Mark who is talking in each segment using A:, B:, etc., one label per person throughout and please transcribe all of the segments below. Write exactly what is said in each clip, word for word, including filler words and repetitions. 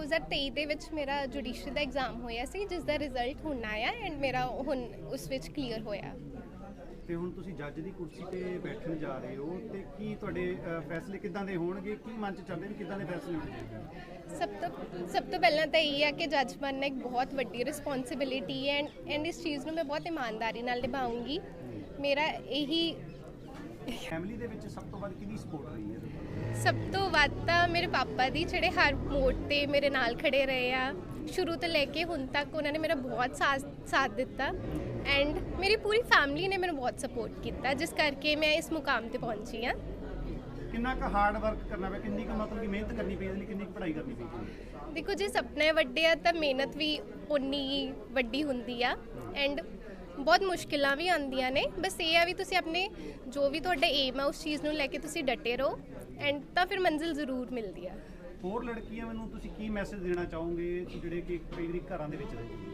A: ਹਜ਼ਾਰ ਤੇਈ ਦੇ ਵਿੱਚ ਮੇਰਾ ਜੁਡੀਸ਼ਰੀ ਦਾ ਐਗਜ਼ਾਮ ਹੋਇਆ ਸੀ, ਜਿਸ ਦਾ ਰਿਜ਼ਲਟ ਹੁਣ ਆਇਆ ਐਂਡ ਮੇਰਾ ਹੁਣ ਉਸ ਵਿੱਚ ਕਲੀਅਰ ਹੋਇਆ।
B: ਤੇ ਹੁਣ ਤੁਸੀਂ ਜੱਜ ਦੀ ਕੁਰਸੀ ਤੇ ਬੈਠਣ ਜਾ ਰਹੇ ਹੋ ਤੇ ਕੀ ਤੁਹਾਡੇ ਅ, ਫੈਸਲੇ ਕਿੱਦਾਂ ਦੇ ਹੋਣਗੇ? ਕੀ ਮਨ ਚ ਚੱਲਦੇ ਵੀ ਕਿੱਦਾਂ ਦੇ ਫੈਸਲੇ ਹੋਣਗੇ?
A: ਸਭ ਤੋਂ ਸਭ ਤੋਂ ਪਹਿਲਾਂ ਤਾਂ ਇਹ ਹੈ ਕਿ ਜੱਜ ਬਣਨਾ ਇੱਕ ਬਹੁਤ ਵੱਡੀ ਰਿਸਪੌਂਸਿਬਿਲਿਟੀ ਹੈ ਐਂਡ ਐਂਡ ਇਸ ਚੀਜ਼ ਨੂੰ ਮੈਂ ਬਹੁਤ ਇਮਾਨਦਾਰੀ ਨਾਲ ਨਿਭਾਉਂਗੀ। ਮੇਰਾ ਇਹੀ
B: ਫੈਮਿਲੀ ਦੇ ਵਿੱਚ ਸਭ ਤੋਂ ਵੱਧ ਕਿਹਦੀ ਸਪੋਰਟ ਰਹੀ ਹੈ?
A: ਸਭ ਤੋਂ ਵੱਧ ਤਾਂ ਮੇਰੇ ਪਾਪਾ ਦੀ, ਜਿਹੜੇ ਹਰ ਮੋੜ ਤੇ ਮੇਰੇ ਨਾਲ ਖੜੇ ਰਹੇ ਆ ਸ਼ੁਰੂ ਤੋਂ ਲੈ ਕੇ ਹੁਣ ਤੱਕ। ਉਹਨਾਂ ਨੇ ਮੇਰਾ ਬਹੁਤ ਸਾਥ ਸਾਥ ਦਿੱਤਾ ਐਂਡ ਮੇਰੀ ਪੂਰੀ ਫੈਮਿਲੀ ਨੇ ਮੈਨੂੰ ਬਹੁਤ ਸਪੋਰਟ ਕੀਤਾ, ਜਿਸ ਕਰਕੇ ਮੈਂ ਇਸ ਮੁਕਾਮ ਤੇ ਪਹੁੰਚੀ ਹਾਂ।
B: ਕਿੰਨਾ ਕੁ ਹਾਰਡ ਵਰਕ ਕਰਨਾ ਪਿਆ, ਕਿੰਨੀ ਕੁ ਮਤਲਬ ਕਿ ਮਿਹਨਤ ਕਰਨੀ ਪਈ, ਇਹਦੇ ਲਈ ਕਿੰਨੀ ਕੁ ਪੜ੍ਹਾਈ ਕਰਨੀ ਪਈ?
A: ਦੇਖੋ, ਜੇ ਸੁਪਨੇ ਵੱਡੇ ਆ ਤਾਂ ਮਿਹਨਤ ਵੀ ਉਨੀ ਹੀ ਵੱਡੀ ਹੁੰਦੀ ਆ ਐਂਡ ਬਹੁਤ ਮੁਸ਼ਕਿਲਾਂ ਵੀ ਆਉਂਦੀਆਂ ਨੇ। ਬਸ ਇਹ ਆ ਵੀ ਤੁਸੀਂ ਆਪਣੇ ਜੋ ਵੀ ਤੁਹਾਡਾ ਏਮ ਆ ਉਸ ਚੀਜ਼ ਨੂੰ ਲੈ ਕੇ ਤੁਸੀਂ ਡਟੇ ਰਹੋ ਐਂਡ ਤਾਂ ਫਿਰ ਮੰਜ਼ਿਲ ਜ਼ਰੂਰ ਮਿਲਦੀ ਆ।
B: ਹੋਰ ਲੜਕੀਆਂ ਮੈਨੂੰ ਤੁਸੀਂ ਕੀ ਮੈਸੇਜ ਦੇਣਾ ਚਾਹੋਗੇ ਜਿਹੜੇ ਕਿ ਕਈ ਵਾਰੀ ਘਰਾਂ ਦੇ ਵਿੱਚ ਰਹਿੰਦੇ?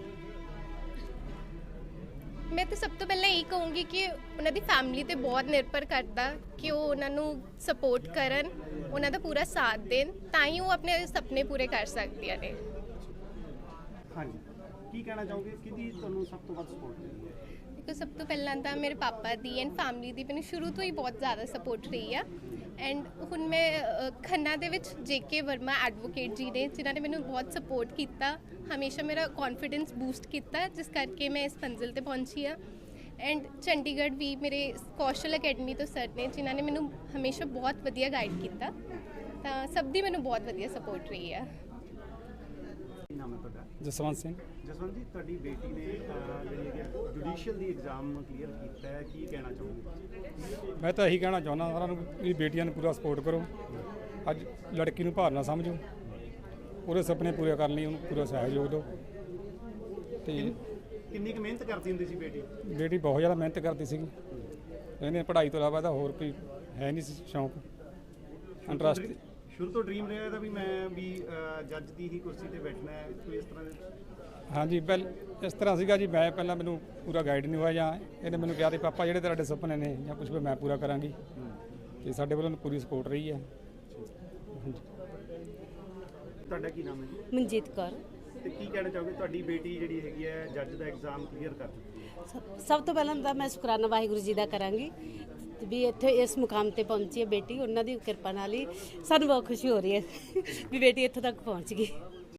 A: ਮੈਂ ਤਾਂ ਸਭ ਤੋਂ ਪਹਿਲਾਂ ਇਹ ਕਹੂੰਗੀ ਕਿ ਉਹਨਾਂ ਦੀ ਫੈਮਿਲੀ ਤੇ ਬਹੁਤ ਨਿਰਭਰ ਕਰਦਾ ਕਿ ਉਹ ਉਹਨਾਂ ਨੂੰ ਸਪੋਰਟ ਕਰਨ, ਉਹਨਾਂ ਦਾ ਪੂਰਾ ਸਾਥ ਦੇਣ, ਤਾਂ ਹੀ ਉਹ ਆਪਣੇ ਸੁਪਨੇ ਪੂਰੇ ਕਰ ਸਕਦੀਆਂ ਨੇ।
B: ਹਾਂਜੀ, ਕੀ ਕਹਿਣਾ ਚਾਹੋਗੇ, ਕਿਹਦੀ ਤੁਹਾਨੂੰ ਸਭ ਤੋਂ ਵੱਧ ਸਪੋਰਟ ਮਿਲੀ ਹੈ?
A: ਦੇਖੋ, ਸਭ ਤੋਂ ਪਹਿਲਾਂ ਤਾਂ ਮੇਰੇ ਪਾਪਾ ਦੀ ਐਂਡ ਫੈਮਿਲੀ ਦੀ ਮੈਨੂੰ ਸ਼ੁਰੂ ਤੋਂ ਹੀ ਬਹੁਤ ਜ਼ਿਆਦਾ ਸਪੋਰਟ ਰਹੀ ਆ ਐਂਡ ਹੁਣ ਮੈਂ ਅ, ਖੰਨਾ ਦੇ ਵਿੱਚ ਜੇ ਕੇ ਵਰਮਾ ਐਡਵੋਕੇਟ ਜੀ ਨੇ, ਜਿਨ੍ਹਾਂ ਨੇ ਮੈਨੂੰ ਬਹੁਤ ਸਪੋਰਟ ਕੀਤਾ, ਹਮੇਸ਼ਾ ਮੇਰਾ ਕੌਨਫੀਡੈਂਸ ਬੂਸਟ ਕੀਤਾ, ਜਿਸ ਕਰਕੇ ਮੈਂ ਇਸ ਮੰਜ਼ਿਲ ਤੇ ਪਹੁੰਚੀ ਆ। ਐਂਡ ਚੰਡੀਗੜ੍ਹ ਵੀ ਮੇਰੇ ਕੌਸ਼ਲ ਅਕੈਡਮੀ ਤੋਂ ਸਰ ਨੇ, ਜਿਨ੍ਹਾਂ ਨੇ ਮੈਨੂੰ ਹਮੇਸ਼ਾ ਬਹੁਤ ਵਧੀਆ ਗਾਈਡ ਕੀਤਾ, ਤਾਂ ਸਭ ਦੀ ਮੈਨੂੰ ਬਹੁਤ ਵਧੀਆ ਸਪੋਰਟ ਰਹੀ ਆ।
B: ਕੀ ਨਾਮ ਹੈ ਤੁਹਾਡਾ?
C: ਜਸਵੰਤ ਸਿੰਘ।
B: ਜਸਵੰਤ ਜੀ, ਤੁਹਾਡੀ ਬੇਟੀ ਨੇ ਅ, ਜਿਹੜੀ ਹੈ ਜੁਡੀਸ਼ੀਅਲ ਦੀ ਐਗਜ਼ਾਮ ਕਲੀਅਰ ਕੀਤਾ ਹੈ, ਕੀ ਕਹਿਣਾ ਚਾਹੋਗੇ?
C: ਮੈਂ ਤਾਂ ਇਹੀ ਕਹਿਣਾ ਚਾਹੁੰਦਾ ਸਾਰਿਆਂ ਨੂੰ ਵੀ ਬੇਟੀਆਂ ਨੂੰ ਪੂਰਾ ਸਪੋਰਟ ਕਰੋ। ਅੱਜ ਲੜਕੀ ਨੂੰ ਭਾਰ ਨਾ ਸਮਝੋ, ਉਹਦੇ ਸੁਪਨੇ ਪੂਰੇ ਕਰਨ ਲਈ ਉਹਨੂੰ ਪੂਰਾ ਸਹਿਯੋਗ ਦਿਓ। ਤੇ
B: ਕਿੰਨੀ ਕੁ ਮਿਹਨਤ ਕਰਦੀ ਹੁੰਦੀ ਸੀ ਬੇਟੀ?
C: ਬੇਟੀ ਬਹੁਤ ਜ਼ਿਆਦਾ ਮਿਹਨਤ ਕਰਦੀ ਸੀਗੀ। ਇਹਨੇ ਪੜ੍ਹਾਈ ਤੋਂ ਇਲਾਵਾ ਤਾਂ ਹੋਰ ਕੋਈ ਹੈ ਨਹੀਂ ਸੀ ਸ਼ੌਂਕ, ਇੰਟਰਸਟ।
B: ਸ਼ੁਰੂ ਤੋਂ ਡ੍ਰੀਮ ਰਿਹਾ ਇਹਦਾ ਵੀ ਮੈਂ ਵੀ ਜੱਜ ਦੀ ਹੀ ਕੁਰਸੀ ਤੇ ਬੈਠਣਾ ਹੈ, ਕੋਈ ਇਸ ਤਰ੍ਹਾਂ ਦੇ?
C: ਹਾਂਜੀ, ਪਹਿਲ ਇਸ ਤਰ੍ਹਾਂ ਸੀਗਾ ਜੀ। ਮੈਂ ਪਹਿਲਾਂ ਮੈਨੂੰ ਪੂਰਾ ਗਾਈਡ ਨਹੀਂ ਹੋਇਆ, ਜਾਂ ਇਹਨੇ ਮੈਨੂੰ ਕਿਹਾ ਤੇ ਪਾਪਾ ਜਿਹੜੇ ਤੁਹਾਡੇ ਸੁਪਨੇ ਨੇ ਜਾਂ ਕੁਝ ਵੀ ਮੈਂ ਪੂਰਾ ਕਰਾਂਗੀ, ਤੇ ਸਾਡੇ ਵੱਲੋਂ ਪੂਰੀ ਸਪੋਰਟ ਰਹੀ ਹੈ। ਹਾਂਜੀ।
B: ਤੁਹਾਡਾ ਕੀ ਨਾਮ ਹੈ ਜੀ?
D: ਮਨਜੀਤ ਕੌਰ।
B: ਤੇ ਕੀ ਕਹਿਣਾ ਚਾਹੋਗੇ, ਤੁਹਾਡੀ ਬੇਟੀ ਜਿਹੜੀ ਹੈਗੀ ਹੈ ਜੱਜ ਦਾ ਐਗਜ਼ਾਮ ਕਲੀਅਰ ਕਰ ਚੁੱਕੀ ਹੈ?
D: ਸਭ- ਸਭ ਤੋਂ ਪਹਿਲਾਂ ਤਾਂ ਮੈਂ ਸ਼ੁਕਰਾਨਾ ਵਾਹਿਗੁਰੂ ਜੀ ਦਾ ਕਰਾਂਗੀ ਵੀ ਇੱਥੇ ਇਸ ਮੁਕਾਮ ਤੇ ਪਹੁੰਚੀ ਹੈ ਬੇਟੀ। ਉਹਨਾਂ ਦੀ ਕਿਰਪਾ ਨਾਲ ਹੀ ਸਾਨੂੰ ਬਹੁਤ ਖੁਸ਼ੀ ਹੋ ਰਹੀ ਹੈ ਵੀ ਬੇਟੀ ਇੱਥੋਂ ਤੱਕ ਪਹੁੰਚ ਗਈ।